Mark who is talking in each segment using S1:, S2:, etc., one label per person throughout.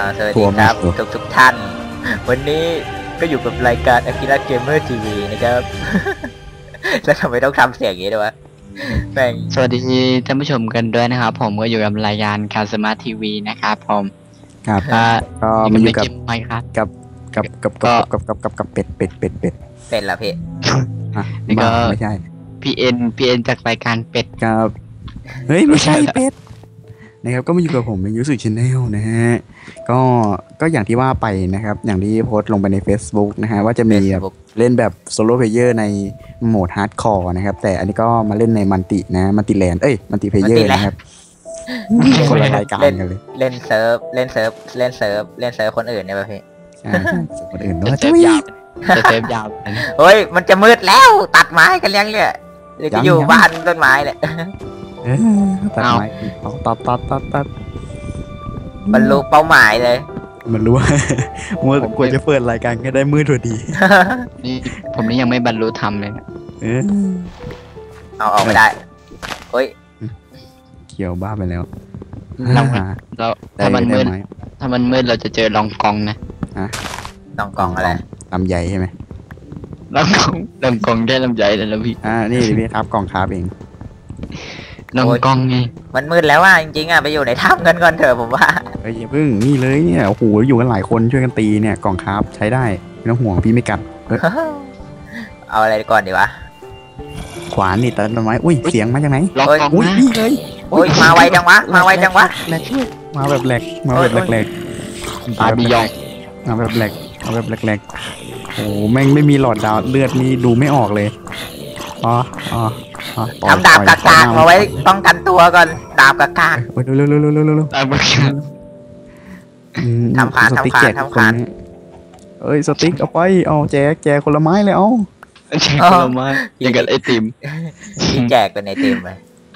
S1: สวัสดีครับทุกท่านวันนี้ก็อยู่กับรายการ Akira Gamer TV นะครับ แล้วทำไมต้องทำเสียงอย่างนี้ด้วยวะแม่ง
S2: สวัสดีท่านผู้ชมกันด้วยนะครับผมก็อยู่กับรายการคาสมาทีวีนะครับผม
S3: ครับก็มาอยู่กับ
S2: ไมค์ครับ
S3: กับเป็ด
S1: เป็นละพี่
S3: นี่ก็ไม่ใช่
S2: พีเอ็นจากรายการเป็ด
S3: ครับเฮ้ยไม่ใช่เป็ดนะครับก็มาอยู่กับผมเป็นยูสุชาแนลนะฮะก็อย่างที่ว่าไปนะครับอย่างที่โพสต์ลงไปใน Facebook นะฮะว่าจะมีเล่นแบบโซโล่เพลเยอร์ในโหมดฮาร์ดคอร์นะครับแต่อันนี้ก็มาเล่นในมัลตินะมัลติแลนด์มัลติเพลเยอร์นะครับคนละรายการกันเลย
S1: เล่นเซิร์ฟคนอื่นเนี่ยป่ะพี่
S3: ใช่คนอื่นด้วย
S2: จะเซฟยาว
S1: เฮ้ยมันจะมืดแล้วตัดไม้กันยังเนี่ยเดี๋ยวจะอยู่บ้านต้นไม้เลย
S3: ตัดไม้ตัด
S1: บรรลุเป้าหมายเลย
S3: มันรู้ว่ามัวควรจะเปิดรายการก็ได้มืดพอดี
S2: นี่ผมนี่ยังไม่บรรลุธรรมเลย
S1: เอาออกไม่ได้เฮ้ย
S3: เขียวบ้าไปแล้ว
S2: เราถ้ามันมืดเราจะเจอลองกองนะ
S1: ลองกองอะไร
S3: ลำใหญ่ใช่ไหม
S2: ลำกองได้ลำใหญ่เลยแล้วพี่
S3: นี่พี่ครับกองคาบเอง
S2: ลำกองไง
S1: มันมืดแล้วว่าจริงๆไปอยู่ในถ้ำกันก่อนเถอะผมว่า
S3: อย่าเพิ่งนี่เลยเนี่ยโอ้โหอยู่กันหลายคนช่วยกันตีเนี่ยกองคาบใช้ได้ไม่ต้องห่วงพี่ไม่กัด
S1: เอาอะไรก่อนดีวะ
S3: ขวานนี่ตัดต้นไม้อุ้ยเสียงมาจากไหน
S2: ลองกองนะ
S1: อุ้ยมาไวจังวะมา
S3: แบบแหลก
S2: ตายบียอง
S3: มาแบบแหลกโอ้แม่งไม่มีหลอดดาวเลือดนี่ดูไม่ออกเลย
S1: ทำดาบกากๆมาไว้ป้องกันตัวก่อนดาบกาก
S3: ๆเร็วทำคานเอ้ยสติ๊กเอาไปเอาแจกคนละไม้เลยเอา
S2: แจกคนละไม้อย่างกับไอติม
S1: แจกเป็นไอติมไป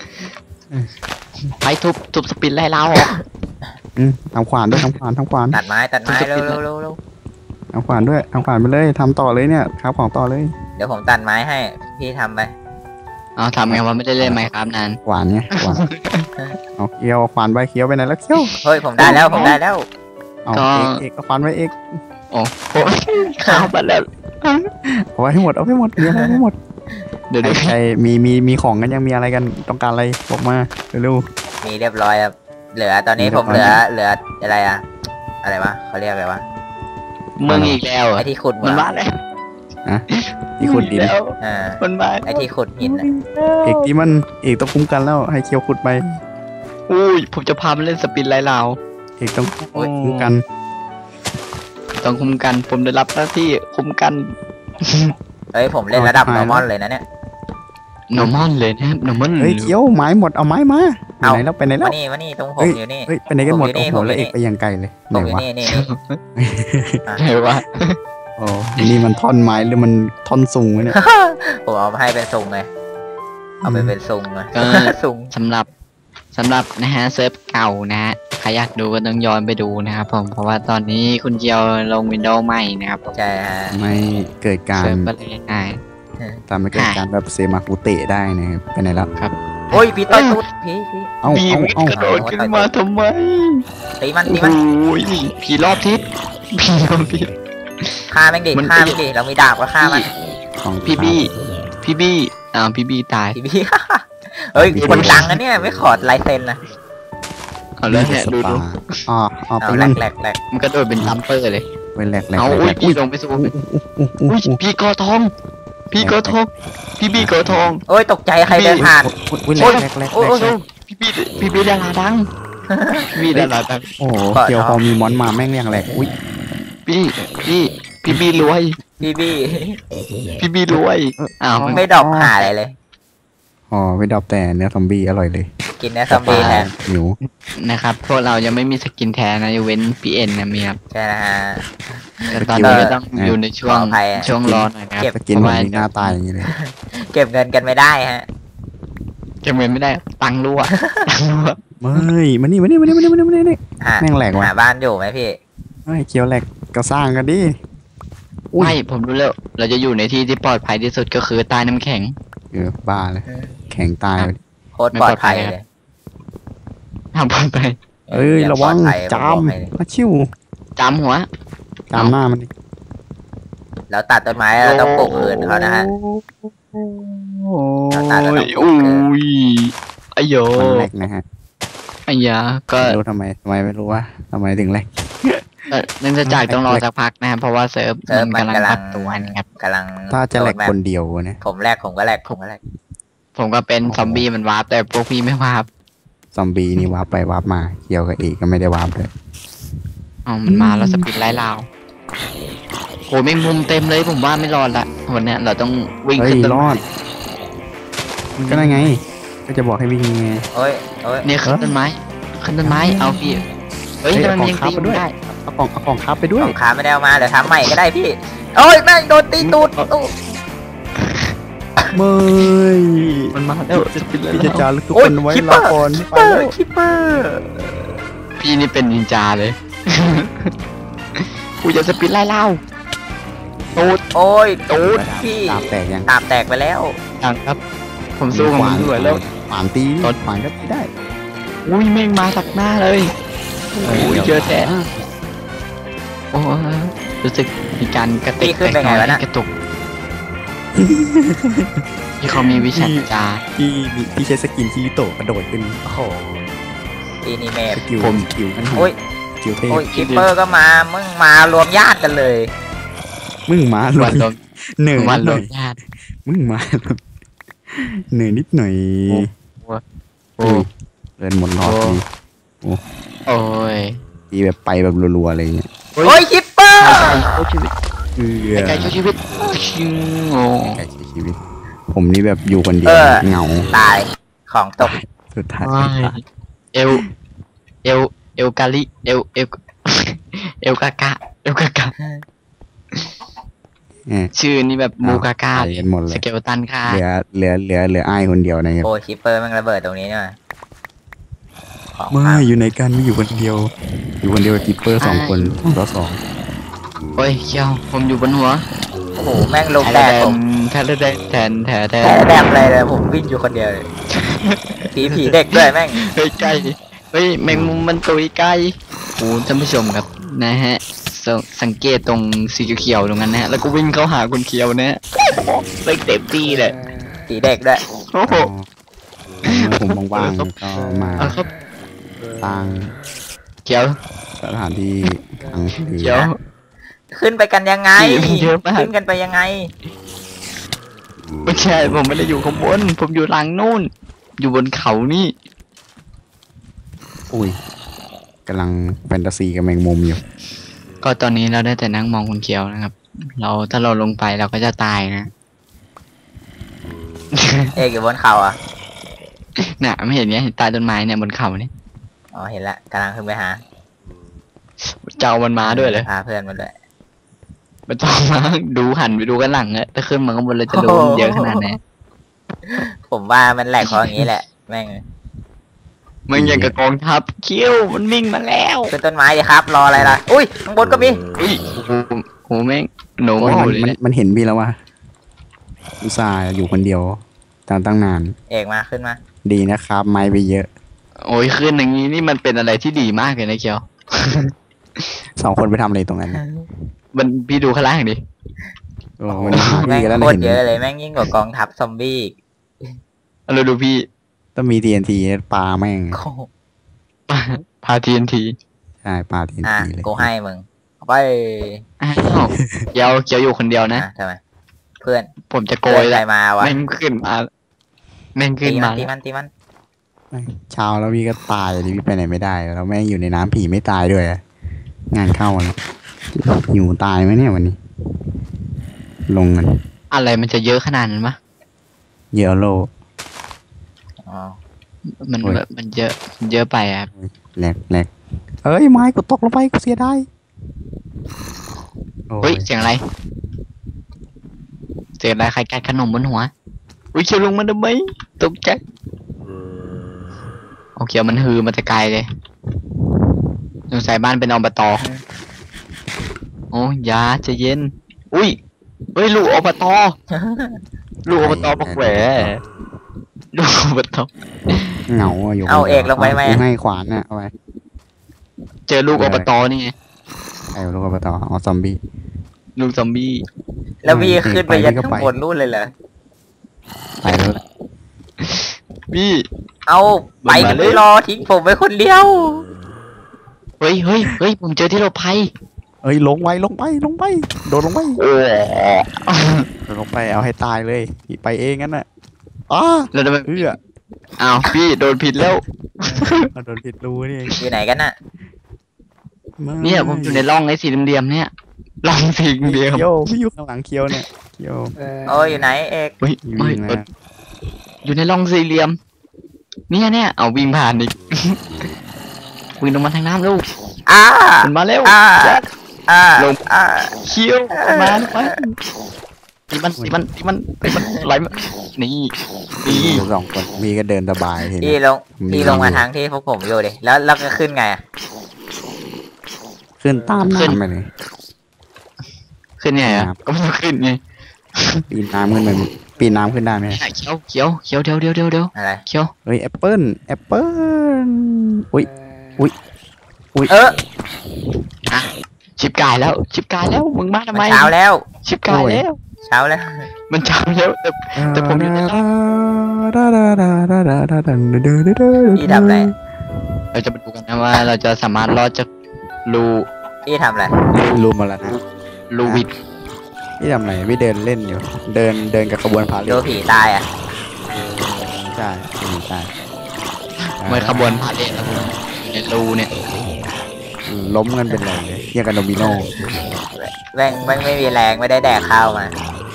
S2: ไปทุบสปินไล่เรา
S3: ทำขวานด้วยทำขวาน
S1: ตัดไม้เร็ว
S3: ทำขวานด้วยทำขวานไปเลยทำต่อเลยเนี่ยครับของต่อเลย
S1: เดี๋ยวผมตัดไม้ให้พี่ทำไป
S2: ทำไงว่าไม่ได้เล่นไหมครับนาน
S3: ขวานไงขวานเอาเคี้ยวขวานใบเคี้ยวไปไหนแล้วเคี้ยว
S1: เฮ้ยผมได้แล้ว
S3: เอาเอกขวานไว้เอก
S2: โอ้ข้าวไปแล้ว
S3: เอาไว้ให้หมดมีอะไรให้หมดเดี๋ยวใครมีของกันยังมีอะไรกันต้องการอะไรบอกมาเร็ว
S1: มีเรียบร้อยครับเหลือตอนนี้ผมเหลืออะไรอะไรวะเขาเรียกอะไรวะ
S2: เมืองอีกแล้ว
S1: ไอที่ขุด
S2: มันบ้าแล้ว
S3: ที่ขุดดิน
S2: มันบ้า
S1: ไอที่ขุดหิน
S3: เอกที่มันเอกต้องคุ้มกันแล้วให้เคียวขุดไป
S2: อุ้ยผมจะพามันเล่นสปินไล่เรา
S3: เอกต้องคุ้มกัน
S2: ผมได้รับหน้าที่คุ้มกัน
S1: เฮ้ยผมเล่นระดับนอร์มอนเลยนะเนี่ย
S2: นอร์มอนเลยนะนอร์มอน
S3: เฮ้ยเคียวไม้หมดเอาไม้มาไปไหนแล้ว
S1: มานี่ตรงผมอยู่นี่
S3: เฮ้ยไปไหนกันหมดโอ้โหแล้วเอกไปยังไกลเลย
S1: ไหนวะ
S2: ไหนวะ
S3: โอ้นี่มันท่อนไม้หรือมันท่อนซุงเนี่ย
S1: ผมเอามาให้เป็นซุงไงเอาไปเป็นซุงไงซุง
S2: สำหรับนะฮะเซิร์ฟเก่านะฮะใครอยากดูก็ต้องย้อนไปดูนะครับผมเพราะว่าตอนนี้คุณเจียวลงวินโดว์ใหม่นะครับ
S1: ใช่ฮะ
S3: ไม่เกิดการทำให้เกิดการแบบเซมาคุเตะได้นะครับไปไหนแล้ว
S2: ครับ
S1: โอ้ยพี่ต้นตุ๊ดพี่
S3: เอา
S2: กระโดดขึ้นมาทำไม
S1: ตีมัน
S2: โอ้ยผีรอบทิศ
S1: ฆ่าแม่งดิเรามีดาบก็ฆ่ามัน
S2: พี่บี้พี่บี้ตาย
S1: พี่บี้เฮ้ยคนดังนะเนี่ยไม่ขอลายเซ็นนะ
S2: เอาเลยเนี่ยดู
S1: แหลก
S2: มันกระโดดเป็นลัมเปอร์เลย
S3: เป็นแหลก
S2: เอาพี่ลงไปสู้พี่กอทองพี่บี้กอทอง
S1: โอ้ยตกใจใครเดินผ่าน
S3: แหลก
S2: พี่บี้ดาราดัง
S3: โอ้เกี่ยวพอมีมอนมาแม่งยังแหลกอุ้ย
S2: พี่บี้รวยพี่บี้รวย
S1: ไม่ดอกหาอะไรเลย
S3: ไม่ดอกแต่เนื้อซอมบี้อร่อยเลย
S1: กินเนื้อซอมบี้แทน
S3: หิว
S2: นะครับพวกเรายังไม่มีสกินแทนนะเว้นพีเอ็นนะมีครับ
S1: ใช่นะฮะ
S2: แต่ตอนนี้ต้องอยู่ในช่วงรอหน่อยครับ
S3: สกินมันหน้าตายอย่างนี้เลย
S1: เก็บเงินกันไม่ได้ฮะ
S2: เก็บเงินไม่ได้ตังรั่ว
S3: ไม่มานี่แม่งแหลกว่ะ
S1: หาบ้านอยู่ไหมพี่
S3: ไม่เคียวแหลกก็สร้างกันดิ
S2: ไม่ผมรู้แล้วเราจะอยู่ในที่ที่ปลอดภัยที่สุดก็คือใต้น้ำแข็ง
S3: บ้าเลยแข็งตาย
S1: โคตรปลอดภัยเลย
S2: ทำปลอดภัย
S3: ระวังจามมาชิว
S2: จำหัว
S3: ตามหน้ามันดิ
S1: แล้วตัดต้นไม้เราต้องปลูกคืนเขานะฮะ
S2: โอ้
S1: เราตัดแล้วต้อง
S2: ย
S1: ปลูกคืน
S2: ไอ้โย
S3: มันแหลกนะฮะ
S2: ไอ้ยาก็
S3: ไม่รู้ทำไมไม่รู้ว่าทำไมถึงแหลก
S2: เนื่องจากต้องรอสักพักนะครับเพราะว่าเซิร์ฟมันกำลังปรับตัวนะครับ
S1: กำลัง
S3: ถ้าจะแหลกคนเดียวเนี่ย
S1: ผมแรกผมก็แรกผมก็แรก
S2: ผมก็เป็นซอมบี้มันวาร์ปแต่พวกพี่ไม่วาร์ป
S3: ซอมบี้นี่วาร์ปไปวาร์ปมาเกี่ยวกับเอกก็ไม่ได้วาร์ปเลย
S2: อ๋อมันมาแล้วสปิดไล่ลาวโหแมงมุมเต็มเลยผมว่าไม่รอดละวันเนี้ยเราต้องวิ่ง
S3: เฮ้ย
S2: ขึ้นต้น
S3: รอดก็ได้ไง ก็จะบอกให้วิ่งไง
S1: โอ้ยโอ้ย
S2: เนี่ยขึ้นต้นไม้เอาพี่เฮ้ยทำไมมันยังตีไม่ได้
S3: เอาของคับไปด้ว
S1: ข
S3: ย
S1: องขาไม่ได้เอามาเดี๋ยวทำใหม่ก็ได้พี่โอ้ยแม่งโดนตีตูดตู้
S3: เมย
S2: มันมาแล้วสปิดไล่
S3: พี่จะ
S2: ลาว
S3: จารึกทุกคนไว้ลาก่อน
S1: คิป
S3: ไป
S1: เปอ
S3: แล้
S1: ร์
S3: ว
S1: คิปเปอร์
S2: พี่นี่เป็นนินจาเลย กูจะสปิดไล่ลาวตูด
S1: โอ้ยตูดพี่
S3: ตามแตกยัง
S1: ตามแตกไปแล้ว
S2: ยังครับ ผมสู้กับมันด้วยแล้ว
S3: ขวานตีขวานก็ตีได้
S2: อุ้ยแม่งมาตักหน้าเลยโอ้ยเจอแท้โอ้ยรู้สึกมีการกระติกกระตุกที่เขามีวิชาจา
S3: พี่ใช้สกินที่โตกระโดดขึ้น
S1: โอ้โหอีนี่เมฟ
S3: สกิลนั่น
S1: โอ้ย
S3: สกิลเทพ
S1: โอ้ยคิปเปอร์ก็มามึงมารวมญาติกันเลย
S3: มึงมาล
S2: วัน
S3: ง
S2: ลม
S3: เหนื่อย
S2: วัน
S3: นิดห
S2: ล
S3: น่อย
S2: มญาติ
S3: มึงมาเหนื่อยนิดหน่อย
S2: โอ้
S3: เดินหมดหลอดที
S2: โอ้ย
S3: ทีแบบไปแบบรัวๆอะไรเงี้ย
S1: โอ้ยคิปเปอร์
S2: ชีวิต
S3: ไกล
S2: ไก่ชีวิตชิงโอ้
S3: ใช้ชีวิต ผมนี่แบบอยู่คนเดียวเหงา
S1: ตายของตก
S3: สุดท้าย
S2: เอลเอลกาลิเอลกากะชื่อนี่แบบมูกากา
S3: ไปกันหมดเล
S2: ส
S3: ย
S2: เกลตันค่ะ
S3: เหลืออ้ายคนเดียวนะครับ
S1: โอ้ยคิปเปอร์มันระเบิดตรงนี้เนี่ยของ
S3: ไม่
S1: พัง
S3: อยู่ในกันไม่อยู่คนเดียว อยู่คนเดียวกับกิปเปอร์2 คน2
S2: โอ้ยเขี้ยวผมอยู่บนหัว
S1: โอ้โหแม่งลงแดดผม
S2: แทนแทนแทน
S1: แดดอะไรเลยผมวิ่งอยู่คนเดียวเลยผีเด็กด้วยแม่ง
S2: เฮ้ยไก่เฮ้ยแมงมุมมันตุยไก่โอ้ท่านผู้ชมครับนะฮะสังเกตตรงสีเขียวๆตรงนั้นนะฮะแล้วก็วิ่งเข้าหาคนเขียวนะฮะเลยเต็มที่เลย
S1: ผีเด็กด้วย
S2: โอ้โห
S3: ผมว่างๆก็มา
S2: เอาครับ
S3: สร้าง
S2: เขียว
S3: สถานที่ทางทะเล
S2: เขียว
S1: ขึ้นไปกันยังไง
S2: ผีมันเยอะมาก
S1: ขึ้นกันไปยังไง
S2: ไม่ใช่ผมไม่ได้อยู่ข้างบนผมอยู่หลังนู่น อยู่บนเขานี่
S3: อุ้ยกำลังแฟนตาซีกับแมงมุมอยู่
S2: ก็ตอนนี้เราได้แต่นั่งมองคนเขียวนะครับ ถ้าเราลงไปเราก็จะตายนะ
S1: เอกอยู่บนเขาอ่ะ
S2: น่ะไม่เห็นไงใต้ต้นไม้เนี่ยบนเขาเนี่ย
S1: อ๋อเห็นละกำลังขึ้นไปหา
S2: เจ้ามันมาด้วยเลย
S1: พาเพื่อนมาด้วย
S2: มันต้องมาดูหันไปดูกันหลังอะถ้าขึ้นมาข้างบนเลยจะโดนเยอะขนาดไหน
S1: ผมว่ามันแหลกเพราะอย่างนี้แหละแม่ง
S2: มันอย่างกับกองทัพคิ้วมันวิ่งมาแล้ว
S1: ขึ้นต้นไม้ดิครับ รออะไรล่ะอุ้ยข้างบนก็มี
S2: อุ้ยโหแม่งโหน
S3: โอ้ย
S2: มาเลยเนี่ย
S3: มันเห็นพี่แล้วว่าอุตส่าห์อยู่คนเดียวตั้งนาน
S1: เอกมาขึ้นมา
S3: ดีนะครับ ไม้ไปเยอะ
S2: โอ้ยขึ้นอย่างนี้นี่มันเป็นอะไรที่ดีมากเลยนะเคียว
S3: 2 คนไปทำอะไรตรงนั้น
S2: มันพี่ดูข้างล่างดิ
S3: โอ้มัน
S1: แม่ง
S3: พี่ก็แล้ว
S1: โคตร
S3: เห็น
S1: เยอะเลยแม่งยิ่งกว่ากองทัพซอมบี้อีก
S2: เราดูพี่
S3: ต้องมี TNT ปลาแม่ง
S1: โอ้โห
S2: พาทีนที
S3: ใช่ปลา TNT
S1: อ่ะ
S3: เลย
S1: กูให้มึงเอาไป
S2: อ้าวเคียวอยู่คนเดียวนะ
S1: ทำไมเพื่อน
S2: ผมจะโก
S1: เพื่อน
S2: ย
S1: ใคร
S2: แล้ว
S1: มาวะ
S2: แม่งขึ้นมาแม่งขึ้นมา
S1: ตีมัน
S3: เช้าแล้วพี่ก็ตายดิพี่ไปไหนไม่ได้ แล้วแม่งอยู่ในน้ำผีไม่ตายด้วยอะงานเข้าแล้วหิวตายไหมเนี่ยวันนี้ ลงกัน
S2: อะไรมันจะเยอะขนาดนั้นมะ
S3: เยลโล
S1: อ๋อ
S2: มัน
S3: โอ้ย
S2: แบบมันเยอะไปอ่ะ
S3: แหลกเอ้ยไม้กูตกลงไปกูเสียดายโอ้
S2: เฮ้ย
S3: ย
S2: เสียงอะไรเสียงอะไรใครกัดขนมบนหัวอุ้ยเคียวลงมาทำไมตกใจโอเคมันฮือมาแต่ไกลเลยสงสัยบ้านเป็นอบตโอ้ยาใจะเย็นอุ้ยเฮ้ยลูกอบตลูกอบตปักแหวลูกอบต
S3: เหงาอะอยู่
S1: เอาเอกลงไปไหม
S3: กูให้ขวานน่ะเอาไป
S2: เจอลูกอบตนี่ไง
S3: ไอ้ลูกอบตอ๋อซอมบี้
S2: ลูกซอมบี้
S1: แล้วพี่ขึ้นไปยัน
S3: ก็
S1: ข้าง
S3: ไป
S1: บนนู่นเลยเหรอ
S3: ไปแล้วแหละ
S2: พี่
S1: เอาไปกันไม่รอทิ้งผมไว้คนเดียว
S2: เฮ้ยผมเจอที่หลบภัย
S3: เอ้ยลงไปโดดลงไป
S2: โอ้
S3: โดดลงไปเอาให้ตายเลยไปเองงั้นน่ะอ้า
S2: แล้วทำไม
S3: เอื้อ
S2: อ้าวพี่โดนผิดแล้ว
S3: เอาโดนผิดรูนี่เอง
S1: อยู่ไหนกันน่ะ
S2: เนี่ยผมอยู่ในร่องไอ้สีเหลี่ยมๆเนี่ยร่องสีเหลี่ยม
S3: เคียวพี่อยู่ข้างหลังเคียวเนี่ยเคียว
S1: โอ้ยอยู่ไหนเอก
S2: เฮ้ย
S3: วิ่งมา
S2: อยู่ในร่องสี่เหลี่ยมเนี่ยเอาวิ่งผ่านอีก วิ่งลงมาทางน้ำลูก
S1: อ้า
S2: มันมาเร็ว
S1: อ้าอ้า
S2: ลง
S1: อ้า
S2: เคี้ยวมาตีมันไหลมานี่
S3: อยู่สองคนมีก็เดินสบายที
S1: พี่
S3: นี้
S1: ลงพี่ลงมาทางที่พวกผมอยู่ดิแล้วเราก็ขึ้นไงอะ
S3: ขึ้นตามน้ำไปเลย
S2: ขึ้นไงอ่ะก็ไม่ขึ้นไง
S3: ปีนน้ำขึ้นไปปีนน้ำขึ้นได้ไหม
S2: เคี้ยวเดี๋ยว
S1: อะไร
S2: เคี้ยว
S3: เฮ้ยแอปเปิ้ลอุ้ย
S2: ชิบกายแล้วมึงมาทำ
S1: มัน
S2: ไม
S1: เช้าแล้ว
S2: ชิบกายแล้ว
S1: เช้าแล้ว
S2: มันเช้าแล้วแต่ผมอยู่ในร่อง
S1: พี่ทำอะไร
S2: เราจะมาดูกันนะว่าเราจะสามารถรอดจากรู
S1: พี่ทำอะไร
S3: รูมาแล้วนะ
S2: รูวิด
S3: พี่ทำอะไรพี่เดินเล่นอยู่ เดินกับขบวนพาเหร
S1: ดู
S3: ด
S1: ผีตายอ่ะ
S3: ใช่ใช่
S2: เมื่อขบวนพาเลทแล้วผมอยู่ในรูเนี่ย
S3: ล้มกันเป็นไรเลยเรียกกันโดมิโน
S1: แม่งไม่มีแรงไม่ได้แดกข้าวมา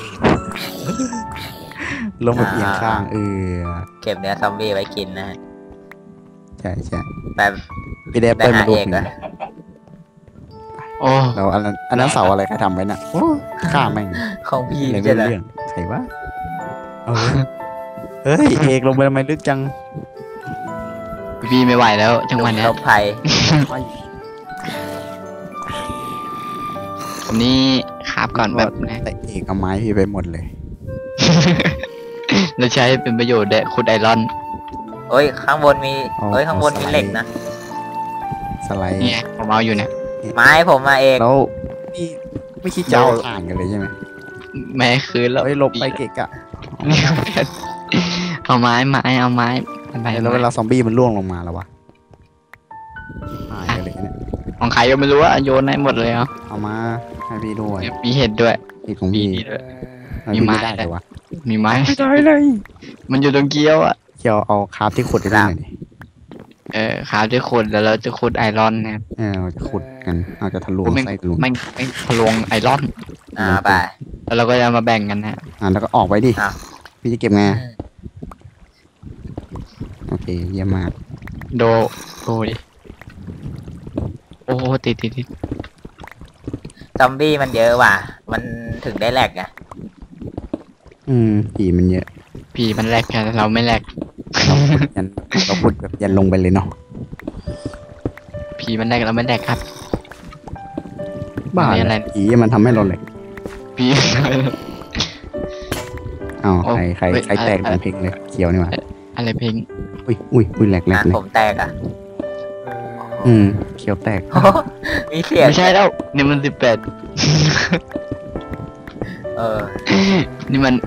S3: ล้มแบบเอียงข้าง
S1: เก็บเนื้อซอมบี้ไว้กินนะฮะ
S3: ใช่ใช่
S1: แบบ
S3: พี่ได้แอปเปิ้ลมาลูกหนึ่ง
S2: โอ้
S3: แล้วอันนั้นเสาอะไรใครทำไว้น่ะโอ้ข้าแม่ง
S1: ของพี่
S3: อะไรไม่
S1: ใช่ไหม
S3: รู้เรื่องใครวะเอาเฮ้ยเอกลงไปทำไมลึกจัง
S2: พี่ไม่ไหวแล้วจังหวะเนี้ย
S1: ลบภัย
S2: ผมนี่คาบก่อนแบบนะ
S3: แต่เอกเอาไม้พี่ไปหมดเลย
S2: เราใช้เป็นประโยชน์แด่ขุดไอรอน
S1: โอ้ยข้างบนมีเอ้ยข้างบนมีเหล็กนะ
S3: สไลด์
S2: เนี่ยผมเอาอยู่เนี่ย
S1: ไม้ผมมาเอง
S3: แล้วพี่ไม่คิดจะเอาอ่านกันเลยใช่ไหม
S2: แม้คืนแล้ว
S3: เฮ้ยหลบไปเกะกะ
S2: เอาไม้เอาไม้ไป
S3: แล้วเวลาซอมบี้มันล่วงลงมาแล้ววะหายกันเลยเนี่ย
S2: ของใครก็ไม่รู้ว่าโยนให้หมดเลยเอา
S3: เอามาให้พี่ด้วย
S2: มีเห็ดด้วย
S3: อีกของ
S2: มี
S3: พี่
S2: นี่ด้วย
S3: ทำไพี่
S2: มีไม้
S3: ไม่ได้เลยวะ
S2: มีไม้
S3: ไม่ได้เลย
S2: มันอยู่ตรงเกี้ยวอ่ะ
S3: เกี่ยวเอาคราฟที่ขุดได้หน่อยดิ
S2: ขาวจะขุดแล้วเราจะขุดไอรอนนะครับ
S3: เราจะขุดกันเราจะทะลวง
S2: ไม่
S3: ไส้ทะลวง
S2: ไม่ทะลวงไอรอน
S1: ไป
S2: แล้วเราก็จะมาแบ่งกันนะ
S3: แล้วก็ออกไปดิ
S1: อ้าว
S3: พี่จะเก็บไงโอเคเยี่ยมมาก
S2: โดดิโอ้ติด
S1: ซอมบี้มันเยอะว่ะมันถึงได้แหลกไง
S3: ผีมันเยอะ
S2: ผีมันแลกกันเราไม่แลก
S3: เราขุดแบบยันลงไปเลยเนาะ
S2: ผีมันแลกเราไม่แลกครับ
S3: บ้า
S2: ไม่
S3: อะ
S2: อะไร
S3: ไรผีมันทำให้เราเหล็ก
S2: ผี
S3: อ้าว
S2: โอ้
S3: ใคร
S2: เฮ้ย
S3: ใครแตก
S2: อะไร
S3: มันเพลงเลยเขียวนี่หว่า
S2: อะไรเพลง
S3: อุ้ยแหลกแหล
S1: อ่ะ
S3: กเลย
S1: ผมแตกอ่ะ
S3: เขียวแตก
S1: มีเสียง
S2: ไม่ใช่แล้วนี่มัน18
S1: เออ
S2: นี่มัน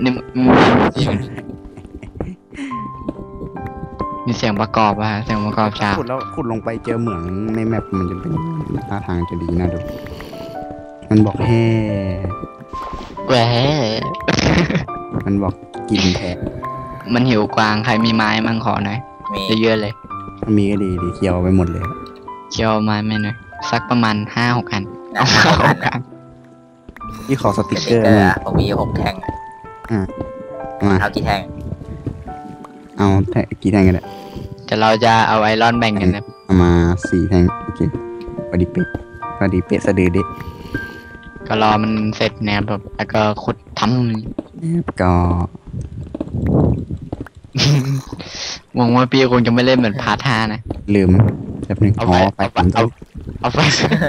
S2: มีเสียงประกอบอะเสียงประกอบฉาก
S3: ขุดแล้วขุดลงไปเจอเหมืองในแมปมันจะเป็นท่าทางจะดีน่าดูมันบอกแฮ่
S2: แหว
S3: มันบอกกินแทะ
S2: มันหิวกวางใครมีไม้มั่งขอหน่อย
S1: มี
S2: เยอะๆเลย
S3: มีก็ดีเขียวไปหมดเลย
S2: เคี่ยวไม้ไม่หน่อยสักประมาณ5-6 อัน
S1: นะ
S2: เอา
S1: ครับ
S2: 5-6 อัน
S3: ที่ขอส
S1: ส
S3: ติกเก
S1: ติ๊
S3: อก ร์
S1: เกอร์
S3: มา
S1: อะผมมี6 แท่ง
S3: มา
S1: เอากี่แท่ง
S3: เอาแทะกี่แท่งกันเนี่ย
S2: แต่เราจะเอาไอรอนแบ่งกันนะ
S3: เอามา4 แท่งโอเคพอดีเป๊ะสะดือดิ
S2: ก็รอมันเสร็จแนวแบบแล้วก็ขุดท
S3: ก็
S2: ำหวังว่าพี่คงจะไม่เล่นเหมือนพาร์ท5นะ
S3: ลืมแบบนึง
S2: เอา
S3: อ๋
S2: ไป
S3: อไปผม
S2: เอาไป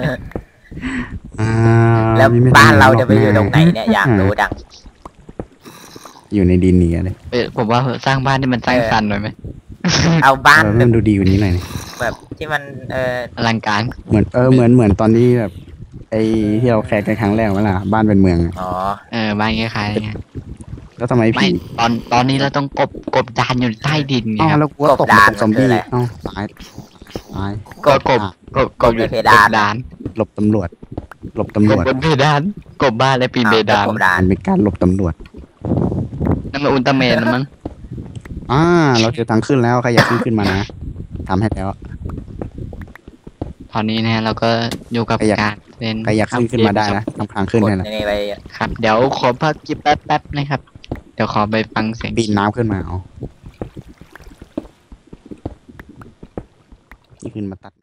S1: แล้ว
S3: ไม่
S1: บ้านเรา
S3: ห
S1: จะไปอยู่ตรงไหนเนี่ยอยากรู้ดัง
S3: อยู่ในดินนี้เลย
S2: ผมว่าสร้างบ้านที่มันสร้างสรรค์หน่อยไหม
S1: เอาบ้าน
S3: เออ
S1: แบ
S3: มัน
S1: บ
S3: ดูดีกว่านี้หน่อย
S1: แบบที่มัน
S2: อลังการ
S3: เหมือนตอนที่แบบไอ้ที่เราแคสกันครั้งแรกเวลาบ้านเป็นเมืองอะ
S1: อ๋อ
S2: บ้านคล้ายๆไง
S3: แล้วทำไม
S2: ไม่
S3: พี่
S2: ตอนนี้เราต้องกบดานอยู่ใต้ดินไง
S3: อ้าว
S2: ครับ
S3: แล้วกูว่าตกมาตกซอมบี้อ้าวตายตาย
S2: ก็กบ
S3: อ่ะ
S2: กบอยู่
S1: ในเพดาน
S2: ดาน
S3: หลบตำรวจ หลบตำร
S2: ก
S3: ว
S2: บ
S3: จ
S2: บนเพดานกบบ้านและปีนเพดาน
S1: กบดาน
S3: มันเป็นการหลบตำรวจ
S2: นั่นมันอุลตร้าแมนนะมั้ง
S3: เราเจอทางขึ้นแล้วใครอยากขึ้นมานะทำให้แล้ว
S2: ตอนนี้นะเราก็อยู่กับ
S3: ใครอยาก
S2: การเล่น
S3: ใครอยากขึ้นมาได้นะทำทางขึ้น
S1: กด
S3: ให้นะ
S1: ในไป
S2: ครับ เดี๋ยวขอพักกิบแป๊บนะครับ เดี๋ยวขอไปฟังเสียง
S3: ปีนน้ำขึ้นมาเอานี่ขึ้นมาตัด